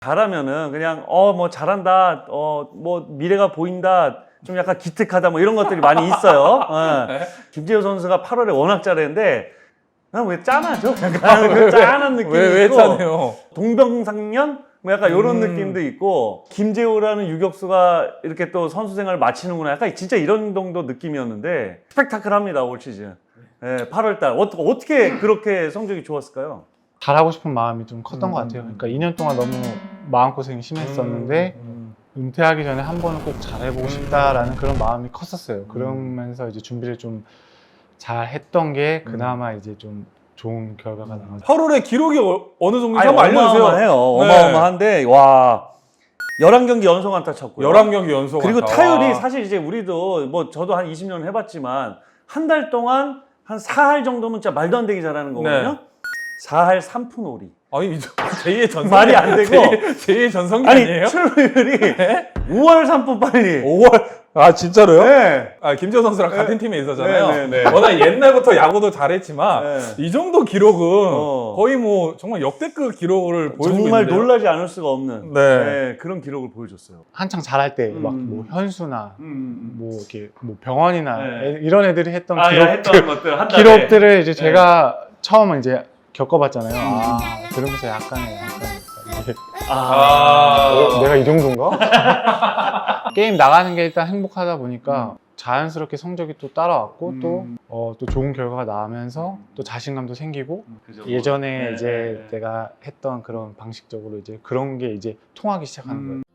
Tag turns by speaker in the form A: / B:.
A: 잘하면은 그냥 뭐 잘한다, 뭐 미래가 보인다, 좀 약간 기특하다 뭐 이런 것들이 많이 있어요. 김재호 선수가 8월에 워낙 잘했는데 난 왜 짠하죠? 약간 그 짠한 느낌이
B: 왜
A: 있고
B: 짜네요?
A: 동병상련? 뭐 약간 이런 느낌도 있고 김재호라는 유격수가 이렇게 또 선수 생활을 마치는구나 약간 진짜 이런 정도 느낌이었는데 스펙타클합니다 올 시즌. 8월달 어떻게 그렇게 성적이 좋았을까요?
C: 잘하고 싶은 마음이 좀 컸던 것 같아요. 그러니까 2년 동안 너무 마음고생이 심했었는데 은퇴하기 전에 한 번은 꼭 잘해보고 싶다라는 그런 마음이 컸었어요. 그러면서 이제 준비를 좀 잘 했던 게 그나마 이제 좀 좋은 결과가 나왔죠.
B: 8월에 기록이 어느 정도인지 한번 알려주세요.
A: 어마어마해요.
B: 네.
A: 어마어마한데 와 11경기 연속 안타 쳤고요.
B: 11경기 연속
A: 그리고
B: 안타.
A: 타율이
B: 와.
A: 사실 이제 우리도 뭐 저도 한 20년 해봤지만 한 달 동안 한 4할 정도면 진짜 말도 안 되게 잘하는 거거든요.
B: 네.
A: 4할 3푼 5리.
B: 아니 제2의 전성기
A: 말이 안 되고.
B: 제2의 전성기
A: 아니
B: 아니에요?
A: 출루율이
B: 네?
A: 5월 3푼 빨리.
B: 5월 진짜로요?
A: 네.
B: 김재호 선수랑 같은 팀에 있었잖아요.
A: 네.
B: 워낙 옛날부터 야구도 잘했지만
A: 네.
B: 이 정도 기록은
A: 어.
B: 거의 뭐 정말 역대급 기록을 보여주고
A: 정말
B: 있는데요.
A: 놀라지 않을 수가 없는
B: 네.
A: 그런 기록을 보여줬어요.
C: 한창 잘할 때 막 뭐 현수나
A: 음.
C: 뭐 이렇게 뭐 병원이나
A: 네.
C: 이런 애들이 했던
A: 했던 것들 한 달에.
C: 기록들을 이제 제가 처음 이제 겪어봤잖아요. 그러면서 약간의 이게 내가 이 정도인가? 게임 나가는 게 일단 행복하다 보니까 자연스럽게 성적이 또 따라왔고 또 좋은 결과가 나오면서 또 자신감도 생기고
A: 그죠.
C: 예전에
A: 네.
C: 이제 내가 했던 그런 방식적으로 이제 그런 게 이제 통하기 시작하는 거예요.